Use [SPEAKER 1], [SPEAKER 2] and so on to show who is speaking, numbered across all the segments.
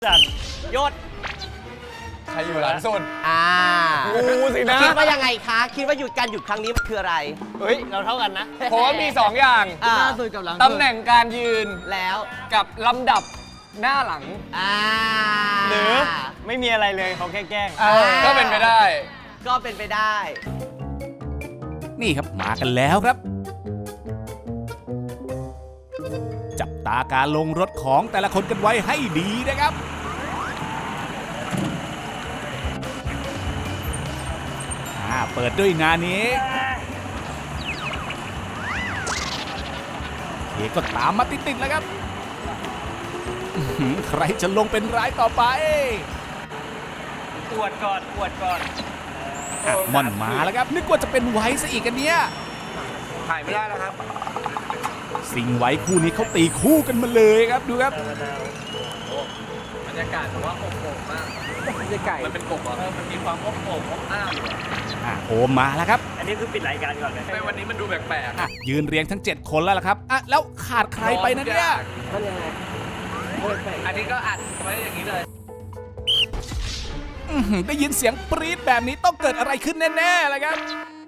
[SPEAKER 1] จัดยศ
[SPEAKER 2] ใครอยู่หลังสุด
[SPEAKER 3] งูสินะ
[SPEAKER 4] คิดว่ายังไงคะ คิดว่าการหยุดครั้งนี้มันคืออะไร
[SPEAKER 1] เฮ้ยเราเท่ากันนะ
[SPEAKER 2] ผมว่ามี 2 อย่าง
[SPEAKER 4] อ่า
[SPEAKER 3] หน้าสุดกับหลัง
[SPEAKER 2] ตำแหน่งการยืน
[SPEAKER 4] แล้ว
[SPEAKER 2] กับลำดับหน้าหลัง
[SPEAKER 1] หรือไม่มีอะไรเลยเขาแค่แกล้ง
[SPEAKER 2] ก็เป็นไปได้
[SPEAKER 4] ก็เป็นไปได้
[SPEAKER 5] นี่ครับมากันแล้วครับ จับตาการลงรถของแต่ละคนกันไว้ให้ดีนะครับเปิดด้วยงานนี้เคก็ตามมาติดๆแล้วครับใครจะลงเป็นรายต่อไป
[SPEAKER 1] ปวดก่อนปวดก่อน
[SPEAKER 5] ม่อนมาแล้วครับนึกว่าจะเป็นไว้ซะอีกกันเนี้ย
[SPEAKER 2] ถ่ายไม่ได้แล้วครับ
[SPEAKER 5] สิงไว้คู่นี้เขาตีคู่กันมาเลยครับดูครับ
[SPEAKER 2] บรรยากาศแต่ว่าอบอุ่นมากไม่ใช่ไก่มันเป็นกบเหรอมันมีความอบอุ่นอบอ้าวอยู่
[SPEAKER 5] โอมมาแล้วครับ
[SPEAKER 1] อันนี้คือปิดรายการก่อนเลย
[SPEAKER 2] ในวันนี้มันดูแปลก
[SPEAKER 5] ยืนเรียงทั้ง 7 คนแล้วล่ะครับแล้วขาดใครไปนะเนี่ย
[SPEAKER 2] อันนี้ก็อัดไว้อย่างนี้เลย
[SPEAKER 5] ได้ยินเสียงปรี๊ดแบบนี้ต้องเกิดอะไรขึ้นแน่ๆเลยครับ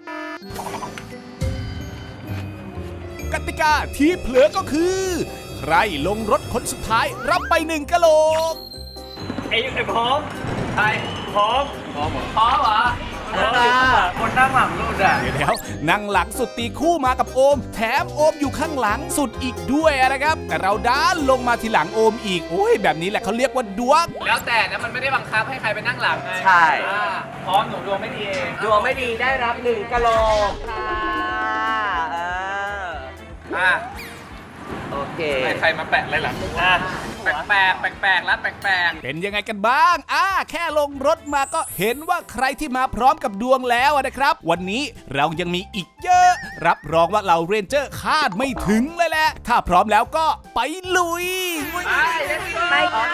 [SPEAKER 5] กติกาที่เผลอก็คือ ใครลงรถคนสุดท้ายรับไป1กะโหลก
[SPEAKER 1] ไอ้พร้อมใช่พร้อม
[SPEAKER 2] พร้อมเหรอพร้อมเหรอ
[SPEAKER 1] คนนั่งหลังรูดอ่ะ
[SPEAKER 5] เดี๋ยวนั่งหลังสุดตีคู่มากับโอม แถมโอมอยู่ข้างหลังสุดอีกด้วยนะครับ แต่เราด้านลงมาทีหลังโอมอีกโอ้ยแบบนี้แหละเขาเรียกว่าดวง
[SPEAKER 2] แล้วแต่นะมันไม่ได้บังคับให้ใครไปนั่งหลังไง
[SPEAKER 4] ใช่
[SPEAKER 2] พร้อมหนูดวงไม่ดีเอง
[SPEAKER 4] ดวงไม่ดีได้รับ1กะโหลกค่ะโอเค
[SPEAKER 2] ใครมาแปะอะไรหลังแปลกแล้วแปลก
[SPEAKER 5] เป็นยังไงกันบ้างแค่ลงรถมาก็เห็นว่าใครที่มาพร้อมกับดวงแล้วนะครับ วันนี้เรายังมีอีกเยอะ รับรองว่าเราเรนเจอร์คาดไม่ถึงเลยแหละ ถ้าพร้อมแล้วก็ไปลุย
[SPEAKER 4] ไปค่ะ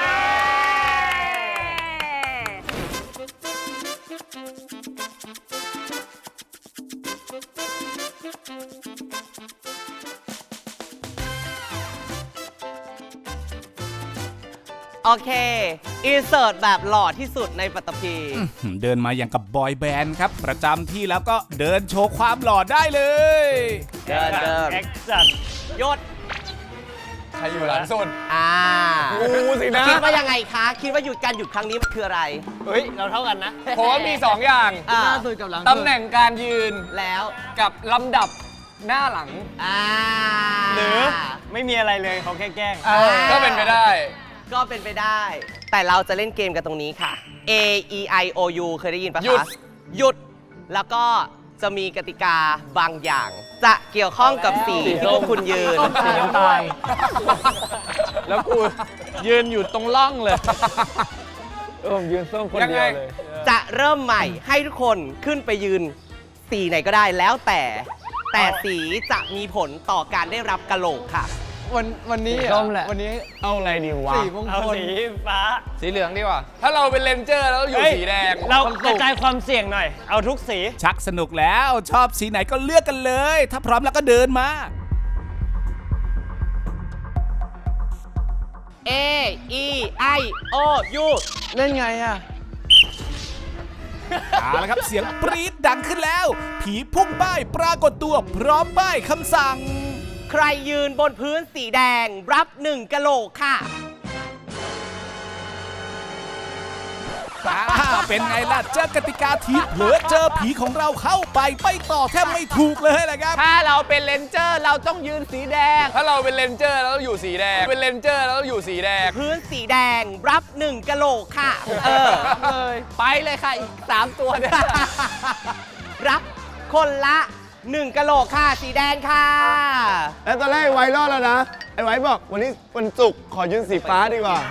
[SPEAKER 4] โอเค อินเสิร์ตแบบหล่อที่สุดในปัตตภี
[SPEAKER 5] เดินมาอย่างกับบอยแบนด์ครับ ประจำที่แล้วก็เดินโชว์ความหล่อได้เลย
[SPEAKER 4] เดิน
[SPEAKER 1] แอคจัด
[SPEAKER 4] ยศ
[SPEAKER 2] ๆใครอยู่หลังสุด
[SPEAKER 3] งูสินะ
[SPEAKER 4] คิดว่ายังไงคะ คิดว่าการหยุดครั้งนี้มันคืออะไร
[SPEAKER 1] เฮ้ยเราเท่ากันนะ
[SPEAKER 2] ผมว่ามี 2 อย่าง
[SPEAKER 4] อ่า
[SPEAKER 3] หน้าสุดกับหลัง
[SPEAKER 2] ตำแหน่งการยืน
[SPEAKER 4] แล้ว
[SPEAKER 2] กับลำดับหน้าหลัง
[SPEAKER 1] หรือไม่มีอะไรเลยเขาแค่แกล้ง
[SPEAKER 2] ก็เป็นไปได้
[SPEAKER 4] ก็เป็นไปได้ แต่เราจะเล่นเกมกันตรงนี้ค่ะ A E I O U เคยได้ยินปะ
[SPEAKER 2] หยุด
[SPEAKER 4] คะหยุด แล้วก็จะมีกติกาบางอย่าง จะเกี่ยวข้องกับสีที่พวกคุณยืน
[SPEAKER 3] สีน้ำตาล
[SPEAKER 1] แล้วกูยืนอยู่ตรงล่องเลยผมยืนส้มคนเดียวเลย
[SPEAKER 4] จะเริ่มใหม่ให้ทุกคนขึ้นไปยืนสีไหนก็ได้แล้วแต่สีจะมีผลต่อการได้รับกะโหลกค่ะ
[SPEAKER 3] วันนี้
[SPEAKER 1] ส้มแหละ
[SPEAKER 3] วันนี้
[SPEAKER 1] เอาอะไรดีวะ
[SPEAKER 3] สีมงคล
[SPEAKER 1] เอาสีฟ้า
[SPEAKER 2] สีเหลืองดีกว่า ถ้าเราเป็นเลนเจอร์แล้วอยู่สีแดง
[SPEAKER 1] เรากระจายความเสี่ยงหน่อย เอาทุกสี
[SPEAKER 5] ชักสนุกแล้วชอบสีไหนก็เลือกกันเลย ถ้าพร้อมแล้วก็เดินมา
[SPEAKER 4] A E I O U
[SPEAKER 3] เล่นไงอ่ะ
[SPEAKER 5] เอาละครับเสียงปรี๊ดดังขึ้นแล้ว ผีพุ่งป้ายปรากฏตัวพร้อมป้ายคำสั่ง
[SPEAKER 4] ใครยืนบนพื้นสีแดงรับ1กะโหลกค่ะ
[SPEAKER 5] เป็นไงล่ะเจอกติกาทีเผลอเจอผีของเราเข้าไปไม่ต่อแทบไม่ถูกเลยแหละครับ
[SPEAKER 2] ถ้าเราเป็นเลนเจอร์เราต้องยืนสีแดง ถ้าเราเป็นเลนเจอร์เราต้องอยู่สีแดง เป็นเลนเจอร์เราต้องอยู่สีแดง
[SPEAKER 4] พื้นสีแดงรับ1กะโหลกค่ะ
[SPEAKER 2] เลยไปเลยค่ะอีก 3 ตัวเนี่ย
[SPEAKER 4] รับคนละ1กะโหลกค่ะ สีแดงค่ะ
[SPEAKER 3] แล้วตอนแรกไอ้ไว้รอดแล้วนะ ไอ้ไว้บอกวันนี้วันศุกร์ขอยืนสีฟ้าดีกว่า